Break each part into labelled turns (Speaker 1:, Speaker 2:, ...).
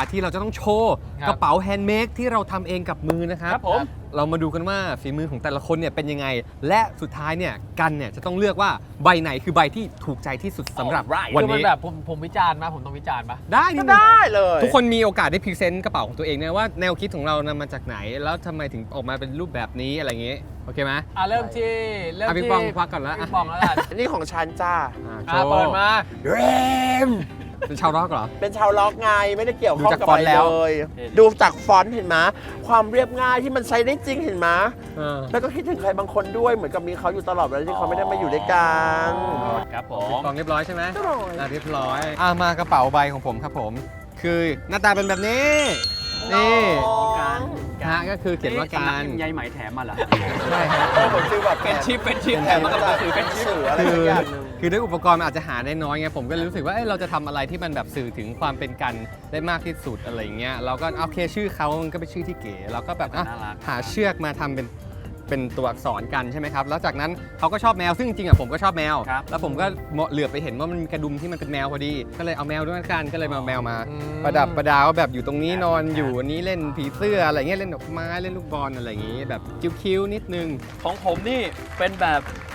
Speaker 1: ที่เราจะต้องโชว์กระเป๋าแฮนด์เมดที่เราทำเองกับมือนะครับ
Speaker 2: ผม
Speaker 1: เรามาดูกันว่าฝีมือของแต่ละคนเนี่ยเป็นยังไงและสุดท้ายเนี่ยกันเนี่ยจะต้องเลือกว่าใบไหนคือใบที่ถูกใจที่สุดสำหรับวัน
Speaker 3: คือมัน
Speaker 1: นี้
Speaker 3: แบบผมวิจารณ์มาผมต้องวิจารณ์ปะ
Speaker 1: ได้นี่
Speaker 2: ได้เลย
Speaker 1: ทุกคนมีโอกาสได้พรีเซนต์กระเป๋าของตัวเองนะว่าแนวคิดของเรานำมาจากไหนแล้วทำไมถึงออกมาเป็นรูปแบบนี้อะไรอย่างงี้โอเคไหม
Speaker 3: เริ่มที่
Speaker 1: พี่ปองควักก่อนแล้ว
Speaker 3: พี่ปองแล้วกัน
Speaker 2: นี่ของฉันจ้า
Speaker 3: เปิดมา
Speaker 2: เรม
Speaker 1: เป็นชาวร็อกเหรอ
Speaker 2: เป็นชาวล็อกไงไม่ได้เกี่ยวข้อง
Speaker 1: ดูจาก
Speaker 2: กับ
Speaker 1: ฟอ
Speaker 2: อะ
Speaker 1: นต์
Speaker 2: ไร
Speaker 1: แล้ว
Speaker 2: เลย ดูจากฟอนต์เห็นไหมความเรียบง่ายที่มันใช้ได้จริงเห็นไหมแล้วก็คิดถึงใครบางคนด้วยเหมือนกับมีเขาอยู่ตลอดเวลาที่เขาไม่ได้มาอยู่ด้วยกัน
Speaker 3: ครับผ
Speaker 1: พี่
Speaker 3: ม
Speaker 1: ปองเรียบร้อยใช่ไหม
Speaker 2: เรียบร้อย
Speaker 1: เรียบร้อยมากระเป๋าใบของผมครับผม คือหน้าตาเป็นแบบนี้นี่
Speaker 4: การ
Speaker 1: ฮะก็คือเขียนว่าการ
Speaker 4: ใยไหมแถมมาเหรอ
Speaker 1: ใช่ฮะ
Speaker 2: เหมือนฟีลแบบ
Speaker 3: เป็นชิป
Speaker 2: แถมมากับหนังสือเป็นสื่ออะไรสักอย่างหนึ่ง
Speaker 1: คือด้วยอุปกรณ์มันอาจจะหาได้น้อยไงผมก็เลยรู้สึกว่าเราจะทำอะไรที่มันแบบสื่อถึงความเป็นกันได้มากที่สุดอะไรอย่างเงี้ยเราก็โอเคชื่อเขามันก็เป็นชื่อที่เก๋เราก็แบบหาเชือกมาทำเป็นตัวอักษรกันใช่ไหมครับแล้วจากนั้นเขาก็ชอบแมวซึ่งจริงๆผมก็ชอบแมวแล้วผมก็เหลือบไปเห็นว่ามันมีกระดุมที่มันเป็นแมวพอดีก็เลยเอาแมวด้วยกันก็เลยมาแมวมาประดับประดาว่าแบบอยู่ตรงนี้นอนอยู่อันนี้เล่นผีเสื้ออะไรเงี้ยเล่นดอกไม้เล่นลูกบอลอะไรอย่างงี้แบบคิ้วๆนิดนึง
Speaker 4: ของผมนี่เป็นแบบ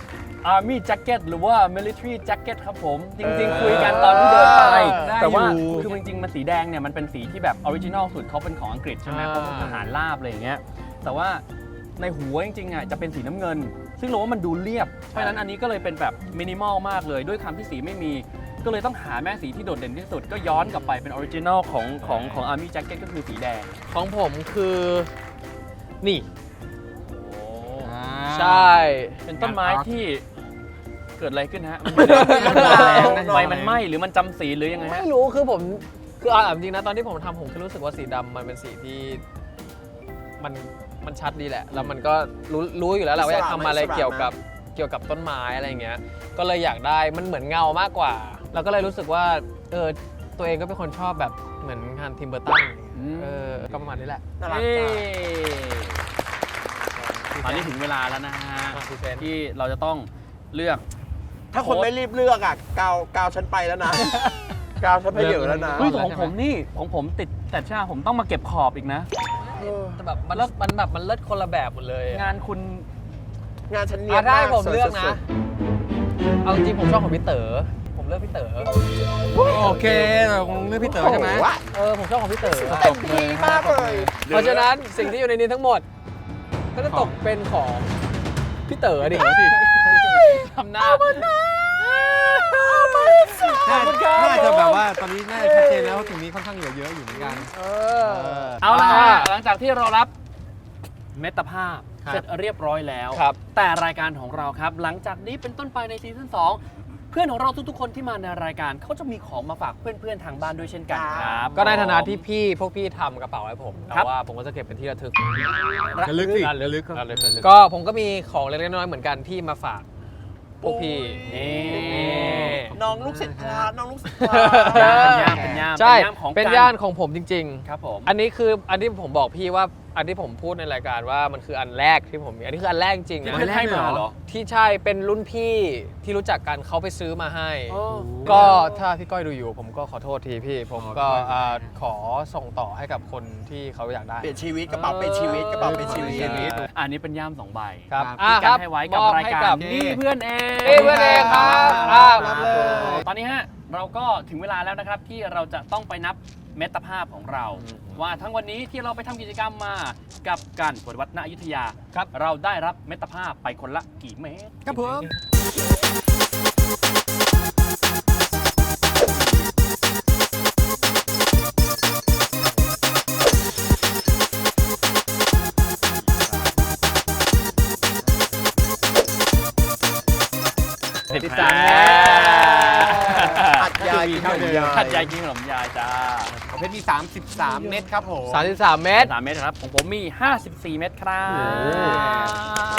Speaker 4: Army Jacket หรือว่า Military Jacket ครับผม จริงๆ คุยกันตอนที่เดินไป แต่ว่าคือจริงๆ มันสีแดงเนี่ย มันเป็นสีที่แบบออริจินอลสุดเขาเป็นของอังกฤษใช่ไหมเขาเป็นทหารราบอะไรอย่างเงี้ยแต่ว่าในหัวจริงๆอ่ะจะเป็นสีน้ำเงิน ซึ่งเราว่ามันดูเรียบ เพราะฉะนั้นอันนี้ก็เลยเป็นแบบมินิมอลมากเลย ด้วยคำที่สีไม่มี ก็เลยต้องหาแม่สีที่โดดเด่นที่สุด ก็ย้อนกลับไปเป็นออริจินอลของ Army Jacket ก็คือสีแดง
Speaker 3: ของผมคือนี่
Speaker 1: อ่า
Speaker 3: ใช่
Speaker 4: เป็นต้นไม้ที่เกิดอะไรขึ้นฮะ
Speaker 1: มัน
Speaker 4: ใบมันไหม้หรือมันจำสีหรือยังไงฮะ
Speaker 3: ไม่รู้คือผมคือเอาจริงนะตอนที่ผมทำผมคือรู้สึกว่าสีดำมันเป็นสีที่มันชัดดีแหละ แล้วมันก็รู้อยู่แล้วแหละว่าอยากทำอะไรเกี่ยวกับต้นไม้อะไรอย่างเงี้ยก็เลยอยากได้มันเหมือนเงามากกว่า แล้วก็เลยรู้สึกว่าตัวเองก็เป็นคนชอบแบบเหมือนงานทิมเบอร์ตันก็ประมาณนี้แหละ
Speaker 2: น่ารัก
Speaker 4: เย้
Speaker 2: จ้า
Speaker 4: ตอนนี้ถึงเวลาแล้วนะฮะ
Speaker 3: พรีเซนต์
Speaker 4: ที่เราจะต้องเลือก
Speaker 2: ถ้าคนไม่รีบเลือกอ่ะกาวฉันไปแล้วนะ กาวฉันไปเยอะแล้วนะ
Speaker 4: เฮ้ยของผมนี่ของผมติดแต่ชาผมต้องมาเก็บขอบอีกนะ
Speaker 3: แต่แบบมันเลิศคนละแบบหมดเลย
Speaker 4: งานคุณ
Speaker 2: งานฉันเนียบ
Speaker 3: ได้
Speaker 2: มาก
Speaker 3: ผมเลือก
Speaker 2: สวย
Speaker 3: นะ
Speaker 2: สุด
Speaker 3: เอาจริงผมชอบของพี่เต๋อผมเลือกพี่เต๋อ
Speaker 1: โอเคเราคงเลือกพี่เต๋อใช่ไหม
Speaker 2: โโวะ
Speaker 3: ผมชอบของพี่เต๋อ
Speaker 2: เต็มที่มากเลย
Speaker 3: เพราะฉะนั้นสิ่งที่อยู่ในนี้ทั้งหมด ก็จะตกเป็นของพี่เต๋อดิ
Speaker 4: ทำหน้า
Speaker 1: น่าจะแบบว่าตอนนี้น่าจะชัดเจนแล้วว่าถึงนี้ค่อนข้างเหลือเยอะอยู่เหมือนกัน
Speaker 4: เอาละฮะหลังจากที่เรารับเมตภาพ
Speaker 1: ครับ
Speaker 4: เสร็จเรียบร้อยแล้ว
Speaker 3: ครับ
Speaker 4: แต่รายการของเราครับ หลังจากนี้เป็นต้นไปในซีซั่น2เพื่อนของเราทุกๆคนที่มาในรายการเขาจะมีของมาฝากเพื่อนๆทางบ้านด้วยเช่นกันครับ
Speaker 3: ก็ในฐานะที่พวกพี่ทำกระเป๋าให้ผม
Speaker 4: ครั
Speaker 3: แต่
Speaker 4: บ
Speaker 3: ว่าผมก็จะเก็บเป็นที่ระทึก
Speaker 1: ระลึกสิระลึก
Speaker 3: ก็ผมก็มีของเล็กๆน้อยๆเหมือนกันที่มาฝากพวกพี่
Speaker 4: นี่
Speaker 2: น้องลูกศิษย์พระน้องลูกศิษย์พระ
Speaker 4: เป็นย่าม
Speaker 3: ใช่
Speaker 4: ของ
Speaker 3: เป็น
Speaker 4: กั
Speaker 3: ย่านของผมจริง
Speaker 4: ครับผม
Speaker 3: ๆ อันนี้คืออันที่ผมบอกพี่ว่าอันที่ผมพูดในรายการว่ามันคืออันแรกที่ผมมีอันนี้คืออันแรกจริง
Speaker 4: ที่
Speaker 3: นะ
Speaker 4: เพื่อนให้มาเหรอ
Speaker 3: ที่ใช่เป็นรุ่นพี่ที่รู้จักกันเขาไปซื้อมาให้
Speaker 4: อ๋อ
Speaker 3: ก็ถ้าพี่ก้อยดูอยู่ผมก็ขอโทษทีพี่ ผมก็ขอส่งต่อให้กับคนที่เขาอยากได้
Speaker 2: เปลี่ยนชีวิตกระเป๋าเป็นชีวิตกระเป๋าเป็นชีวิต
Speaker 4: อันนี้เป็นย่าม2 ใบ
Speaker 3: ครับ
Speaker 4: ที่
Speaker 3: ค
Speaker 4: การ
Speaker 3: รับ
Speaker 4: ให้ไว้กับ
Speaker 3: มอบ
Speaker 4: ราย
Speaker 3: ให้
Speaker 4: การ
Speaker 3: กับ
Speaker 4: นี่เพื่อนเอง
Speaker 3: นี่เพื่อนเองครับรับเลย
Speaker 4: ตอนนี้ฮะเราก็ถึงเวลาแล้วนะครับที่เราจะต้องไปนับเมตรภาพของเรา ว่าทั้งวันนี้ที่เราไปทำกิจกรรมมากับการปวดวัดณอยุธยาครับเราได้รับเมตรภาพไปคนละกี่เมตร
Speaker 1: ครับผม
Speaker 4: 13 เมตร
Speaker 2: อัดยายกินขนมยาย
Speaker 4: ขัดยายกินขนมยายจ้า
Speaker 1: ของเพชรมี33 เม็ดครับผม
Speaker 3: 33 เมตร
Speaker 4: 3 เมตรครับของผมมี 54 เมตรครับ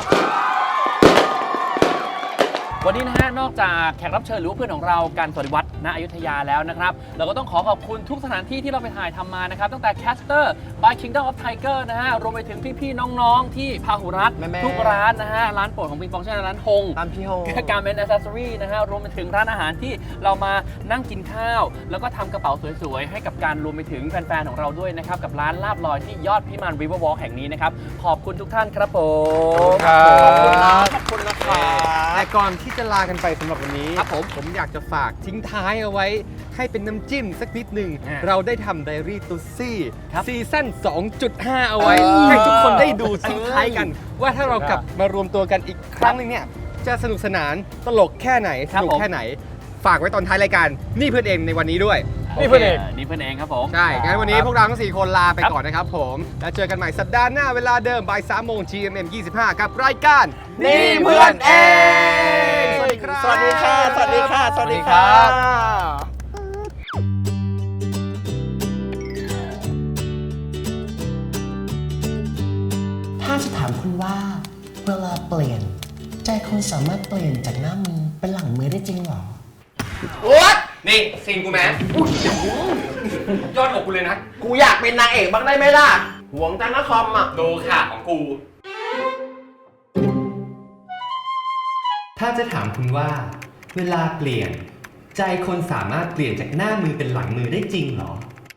Speaker 4: วันนี้นะฮะนอกจากแขกรับเชิญหรือว่าเพื่อนของเราการสวัสดิวัฒน์ณอยุธยาแล้วนะครับเราก็ต้องขอบคุณทุกสถานที่ที่เราไปถ่ายทำมานะครับตั้งแต่ Caster by Kingdom of Tiger นะฮะรวมไปถึงพี่ๆน้องๆที่พาหุรัตน์
Speaker 2: แม่ๆ
Speaker 4: ทุกร้านนะฮะร้านโปรดของปิงปองเช่นร้านฮง
Speaker 2: ตามพี่โฮ
Speaker 4: การเป็น accessory นะฮะรวมไปถึงร้านอาหารที่เรามานั่งกินข้าว แล้วก็ทำกระเป๋าสวยๆให้กับการรวมไปถึงแฟนๆของเราด้วยนะครับกับร้านลาบลอยที่ยอดพิมาน River Walk แห่งนี้นะครับขอบคุณทุกท่านครับผม
Speaker 2: ขอบคุณนะคะ
Speaker 1: แต่ก่อนที่จะลากันไปสำหรับวันนี้
Speaker 4: ครับผม
Speaker 1: อยากจะฝากทิ้งท้ายเอาไว้ให้เป็นน้ำจิ้มสักนิดหนึ่ง เราได้ทำไดอารี่ตุซี่
Speaker 4: ครับ
Speaker 1: ซีซั่น 2.5 เอาไว้ ให้ทุกคนได้ดูทิ้งท้ายกัน ว่าถ้าเรากลับมารวมตัวกันอีกครั้งหนึงเนี่ย จะสนุกสนานตลกแค่ไหน สนุกแค่ไหน ฝากไว้ตอนท้ายรายการ นี่เพื่อนเองในวันนี้ด้วย
Speaker 4: นี่เพื่อนเองนี่เพื่อนเองครับผม
Speaker 1: ใช่ งั้นวันนี้พวกเราทั้ง 4 คนลาไปก่อนนะครับผม แล้วเจอกันใหม่สัปดาห์หน้าเวลาเดิมบ่าย3 โมง GMM 25 กับรายการ
Speaker 2: นี่เพื่อนเอง
Speaker 1: สวัสดีครับ
Speaker 2: สวัสดีค่ะ สวัสดีค่ะ สวัสดี
Speaker 1: ค
Speaker 2: ค่ะ
Speaker 1: รับ
Speaker 5: ถ้าจะถามคุณว่าเวลาเปลี่ยน ใจคุณสามารถเปลี่ยนจากหน้ามือเป็นหลังมือได้จริงเหรอ
Speaker 1: นี่ซีนกูแมยอดอกกูเลยนะ
Speaker 2: กูอยากเป็นนางเอกบ้างได้ไหมล่ะ หวงจังนะคอมอ่ะ
Speaker 1: ดูค่ะของกู ถ้าจะถามคุณว่า เวลาเปลี่ยน ใจคนสามารถเปลี่ยนจากหน้ามือเป็นหลังมือได้จริงเหรอ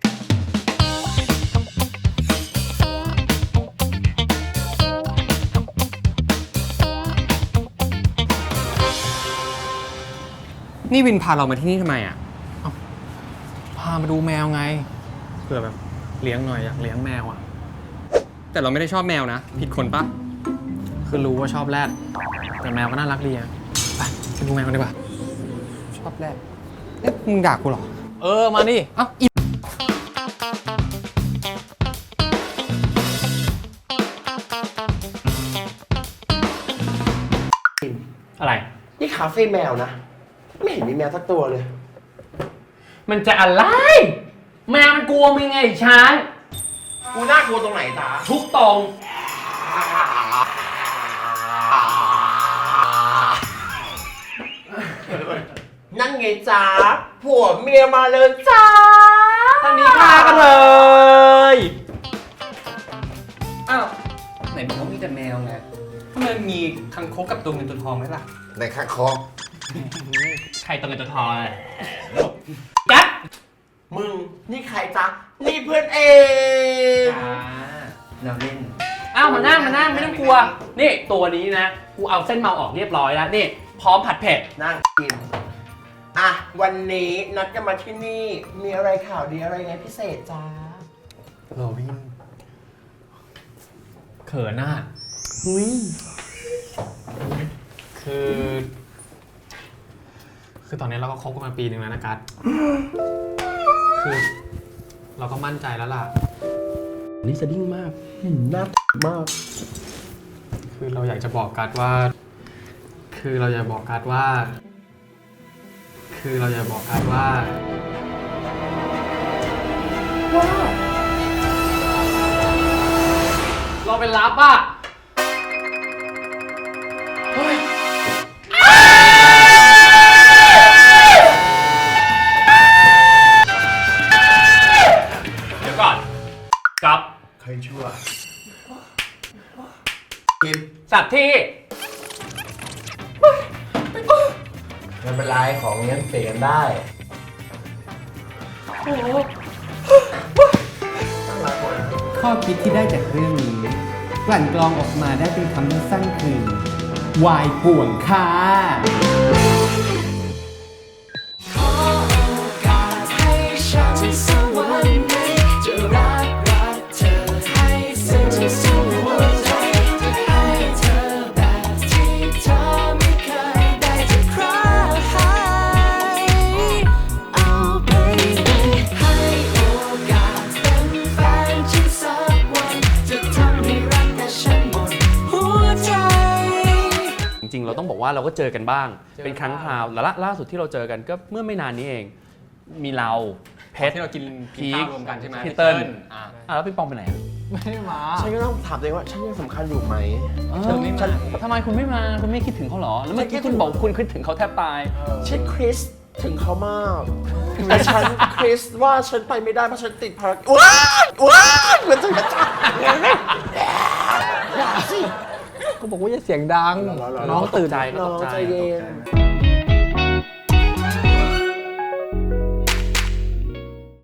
Speaker 1: นี่วินพาเรามาที่นี่ทำไมอ่ะ
Speaker 3: พามาดูแมวไงเผื่อแบบเลี้ยงหน่อยอยากเลี้ยงแมวอ่ะ
Speaker 1: แต่เราไม่ได้ชอบแมวนะ ผิดคนปะ
Speaker 3: คือรู้ว่าชอบแรดแต่แมวก็น่ารักดีอะไปไปดูแมวกันดีกว่า
Speaker 1: ชอบแรกเอ๊ะมึงด่ากูเหรอ
Speaker 3: เออมาดิ
Speaker 1: เอ้าอี
Speaker 4: อะไร
Speaker 2: นี่คาเฟ่แมวนะ ไม่เห็นมีแมวสักตัวเลย
Speaker 4: มันจะอะไร แมวมันกลัวมึงไงช้าง
Speaker 2: กูน่ากลัวตรงไหนตา
Speaker 4: ทุกตรง
Speaker 2: นั่นไงจ้าผัวเมียมาเลยจ้า
Speaker 4: ทางนี้ฆ่ากันเลย
Speaker 1: อ้าวไหนบอกว่ามีแต่แมวไงทำไมมีคังคกกับตัวเงินตัวทองไหมล่ะ
Speaker 2: ในข้างคอ
Speaker 4: ใครตัวเงินตัวทองเลยกัด
Speaker 2: มึง นี่ใครจ๊ะ นี่เพื่อนเอง
Speaker 1: เราเล่น
Speaker 4: อ้าวมานั่งไม่ต้องกลัว นี่ตัวนี้นะ กูเอาเส้นเมาออกเรียบร้อยแล้ว นี่ พร้อมผัดเผ็ด
Speaker 2: นั่งกิน อ่ะ วันนี้นัดกันมาที่นี่ มีอะไรข่าวดีอะไรไงพิเศษจ้า
Speaker 1: โรบิน
Speaker 3: เขินน่ะ
Speaker 2: หุย
Speaker 3: คือตอนนี้เราก็คบกันมาปีหนึ่งแล้วนะกัสคือเราก็มั่นใจแล้วล่ะ
Speaker 2: นี่สะดิ้งมากน่ามาก
Speaker 3: คือเราอยากจะบอกกัสว่า คือเราอยากบอกกัสว่า
Speaker 4: เราเป็นลับอ่ะ เดี๋ยวก่อนกับ
Speaker 2: ใครชั่ว
Speaker 4: สัตว์ที่
Speaker 2: ไม่เป็นไรของเงี้ยเปลี่ยนได้
Speaker 1: ข้อคิดที่ได้จากเรื่องนี้ กลั่นกรองออกมาได้เป็นคำสั้นๆคือวายป่วงค่ะ
Speaker 4: จริงๆ เราต้องบอกว่าเราก็เจอกันบ้าง เป็นครั้งคราวแล้วล่าสุดที่เราเจอกันก็เมื่อไม่นานนี้เอง มีเราเพชร
Speaker 1: ที่เรากิน
Speaker 4: พีค
Speaker 1: ข้าวรวมกันใช่ไหม
Speaker 4: พี่เติ้ล
Speaker 1: อ่ะ
Speaker 4: แล้วพี่ปองไปไหนอะ
Speaker 3: ไม่ได้มา
Speaker 2: ฉันก็ต้องถามตัวเองว่า ฉันยังสำคัญอยู่ไหม
Speaker 1: เธอไม่มา
Speaker 4: ทำไมคุณไม่มา คุณไม่คิดถึงเขาเหรอ แล้วเมื่อกี้คุณบอกคุณคิดถึงเขาแทบตาย
Speaker 2: เช่นคริสถึงเขามากแต่ฉันคริสว่าฉันไปไม่ได้เพราะฉันติดภารกิจว้ายเหมือนจะกระจับอย่าสิ
Speaker 3: ก็บอกว่าอย่าเสียงดัง น้องตื่น
Speaker 2: น้องใจเย็น